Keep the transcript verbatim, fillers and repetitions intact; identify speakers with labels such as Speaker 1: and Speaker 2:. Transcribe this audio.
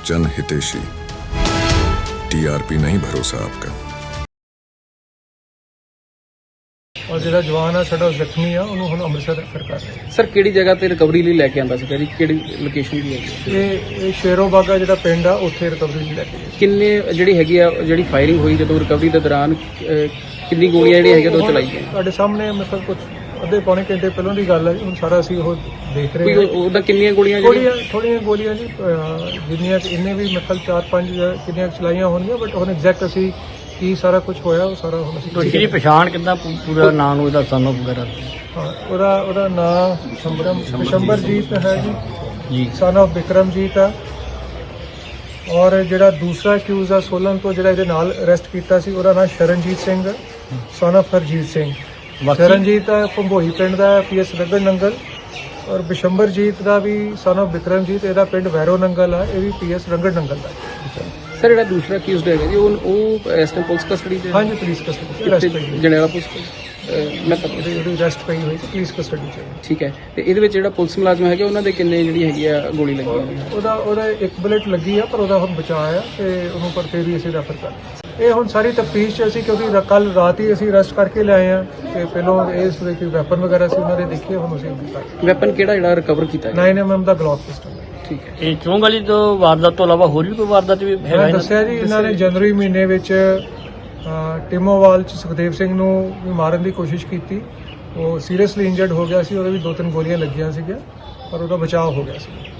Speaker 1: जन हितेशी। टीआरपी नहीं भरोसा आपका।
Speaker 2: और ਜਿਹੜਾ ਜਵਾਨ ਆ ਸਾਡਾ ਜ਼ਖਮੀ ਆ ਉਹਨੂੰ ਹੁਣ ਅੰਮ੍ਰਿਤਸਰ ਰੈਫਰ ਕਰ ਰਹੇ
Speaker 3: ਸਰ ਕਿਹੜੀ ਜਗ੍ਹਾ ਤੇ ਰਿਕਵਰੀ ਲਈ ਲੈ ਕੇ ਆਂਦਾ ਸੀ ਜੀ? ਕਿਹੜੀ ਲੋਕੇਸ਼ਨ ਦੀ ਹੈ?
Speaker 2: ਇਹ ਇਹ ਸ਼ੇਰੋ ਬਾਗਾ ਜਿਹੜਾ ਪਿੰਡ ਆ ਉੱਥੇ ਰਿਕਵਰੀ ਲਈ ਲੈ ਕੇ ਗਏ।
Speaker 3: ਕਿੰਨੇ ਜਿਹੜੀ ਹੈਗੀ ਆ ਜਿਹੜੀ ਫਾਇਰਿੰਗ ਹੋਈ ਜਦੋਂ ਰਿਕਵਰੀ ਦੇ ਦੌਰਾਨ ਅਹ, ਕਿੰਨੀ ਗੋਲੀਆਂ ਜਿਹੜੀਆਂ ਹੈਗੀਆਂ ਉਹ ਚਲਾਈ ਗਈਆਂ?
Speaker 2: ਤੁਹਾਡੇ ਸਾਹਮਣੇ ਮਤਲਬ ਕੁਝ ਅੱਧੇ ਪੌਣੇ ਘੰਟੇ ਪਹਿਲਾਂ ਦੀ ਗੱਲ ਹੈ ਜੀ। ਹੁਣ ਸਾਰਾ ਅਸੀਂ ਉਹ ਦੇਖ ਰਹੇ
Speaker 3: ਕੋਈ
Speaker 2: ਹਾਂ।
Speaker 3: ਉਹਦਾ ਕਿੰਨੀਆਂ ਗੋਲੀਆਂ ਜਿਹੜੀਆਂ
Speaker 2: ਥੋੜੀਆਂ ਥੋੜੀਆਂ ਗੋਲੀਆਂ ਜੀ ਅਹ, ਜਿੰਨੀਆਂ ਕਿ ਇਹਨੇ ਵੀ ਮਤਲਬ ਚਾਰ ਪੰਜ ਕਿੰਨੀਆਂ ਚਲਾਈਆਂ ਹੋਣਗੀਆਂ ਬਟ ਹੁਣ ਐਗਜ਼ੈਕਟ ਅਸੀਂ ਕੀ ਸਾਰਾ ਕੁਝ ਹੋਇਆ ਉਹ ਸਾਰਾ ਹੁਣ ਅਸੀਂ
Speaker 4: ਇਹਦੀ ਪਛਾਣ ਕਿੱਦਾਂ ਪੂ- ਪੂਰਾ ਨਾਂ ਨੂੰ ਇਹਦਾ ਸਨ ਵਗੈਰਾ?
Speaker 2: ਹਾਂ ਉਹਦਾ ਉਹਦਾ ਨਾਮ ਸ਼ੰਬਰਮ ਸ਼ੰਬਰਜੀਤ ਹੈ ਜੀ
Speaker 4: ਜੀ
Speaker 2: ਸਨ ਆਫ ਬਿਕਰਮਜੀਤ ਆ। ਔਰ ਜਿਹੜਾ ਦੂਸਰਾ ਅਕਿਊਜ਼ ਆ ਸੋਲਨ ਤੋਂ ਜਿਹੜਾ ਇਹਦੇ ਨਾਲ ਅਰੈਸਟ ਕੀਤਾ ਸੀ ਉਹਦਾ ਨਾਮ ਸ਼ਰਨਜੀਤ ਸਿੰਘ ਸਨ ਆਫ ਹਰਜੀਤ ਸਿੰਘ।
Speaker 4: ਬਾਕੀ-
Speaker 2: ਸ਼ਰਨਜੀਤ ਆ ਭੰਬੋਈ ਪਿੰਡ ਦਾ ਪੀਐਸ ਰਗੜ ਨੰਗਲ। ਔਰ ਬਿਸ਼ੰਬਰਜੀਤ ਦਾ ਵੀ ਸਨ ਆਫ ਬਿਕਰਮਜੀਤ ਇਹਦਾ ਪਿੰਡ ਵੈਰੋ ਨੰਗਲ ਆ, ਇਹ ਵੀ ਪੀਐਸ ਰੰਗੜ ਨੰਗਲ ਦਾ।
Speaker 3: ਸਰ ਜਿਹੜਾ ਦੂਸਰਾ ਅਕਿਊਜ਼ਡ ਹੈਗਾ ਜੀ ਉਹ ਉਹ ਇਸ ਟਾਈਮ ਪੁਲਿਸ ਕਸਟਡੀ ਦੇ
Speaker 2: ਹਾਂਜੀ ਪੁਲਿਸ ਕਸਟਡੀ ਅਰੈਸਟ ਪਈ ਹੋਈ
Speaker 3: ਜਨਰਲ ਪੁਲਿਸ ਅਹ, ਮੈਂ ਪਤਾ
Speaker 2: ਉਹਦੀ ਉਹਦੀ ਅਰੈਸਟ ਪਈ ਹੋਈ ਪੁਲਿਸ ਕਸਟਡੀ ਚ।
Speaker 3: ਠੀਕ ਹੈ। ਤੇ ਇਹਦੇ ਵਿੱਚ ਜਿਹੜਾ ਪੁਲਿਸ ਮੁਲਾਜ਼ਮ ਹੈਗੇ ਉਹਨਾਂ ਦੇ ਕਿੰਨੇ ਜਿਹੜੀ ਹੈਗੀ ਆ ਗੋਲੀ ਲੱਗੀ ਹੋਈ ਹੈ?
Speaker 2: ਉਹਦਾ ਉਹਦਾ ਇੱਕ ਬੁਲੇਟ ਲੱਗੀ ਆ ਪਰ ਉਹਦਾ ਹੁਣ ਬਚਾਅ ਆ ਤੇ ਉਹਨੂੰ ਪਰ ਫਿਰ ਵੀ ਅਸੀਂ ਰੈਫਰ ਕਰ ਦਿੱਤਾ। ਇਹ ਹੁਣ ਸਾਰੀ ਤਫਤੀਸ਼ ਚ ਅਸੀਂ ਕਿਉਂਕਿ ਕੱਲ ਰਾਤ ਹੀ ਅਸੀਂ ਅਰੈਸਟ ਕਰਕੇ ਲਿਆਏ ਆ ਤੇ ਪਹਿਲਾਂ ਇਸ ਦੇ ਕੋਈ ਵੈਪਨ ਵਗੈਰਾ ਸੀ ਉਹਨਾਂ ਦੇ ਦੇਖੇ ਹੁਣ ਅਸੀਂ
Speaker 3: ਵੈਪਨ ਕਿਹੜਾ ਜਿਹੜਾ ਰਿਕਵਰ ਕੀਤਾ ਗਿਆ?
Speaker 2: ਨਾਈਨ ਐਮ ਐਮ ਦਾ ਗਲੌਕ ਪਿਸਟਲ।
Speaker 3: ਠੀਕ ਹੈ।
Speaker 4: ਇਹ ਚੌਂਕ ਵਾਲੀ ਤੋਂ ਵਾਰਦਾਤ ਤੋਂ ਇਲਾਵਾ ਹੋਰ ਵੀ ਕੋਈ ਵਾਰਦਾਤ ਵੀ ਹੈਗਾ
Speaker 2: ਮੈਂ
Speaker 4: ਇਹਨਾਂ
Speaker 2: ਦੱਸਿਆ ਜੀ ਇਹਨਾਂ ਨੇ ਜਨਵਰੀ ਮਹੀਨੇ ਵਿੱਚ ਅ, ਟਿਮੋਵਾਲ ਚ ਸੁਖਦੇਵ ਸਿੰਘ ਨੂੰ ਵੀ ਮਾਰਨ ਦੀ ਕੋਸ਼ਿਸ਼ ਕੀਤੀ। ਉਹ ਸੀਰੀਅਸਲੀ ਇੰਜਰਡ ਹੋ ਗਿਆ ਸੀ, ਉਹਦੇ ਵੀ ਦੋ ਤਿੰਨ ਗੋਲੀਆਂ ਲੱਗੀਆਂ ਸੀਗੀਆਂ ਪਰ ਉਹਦਾ ਬਚਾਅ ਹੋ ਗਿਆ ਸੀ।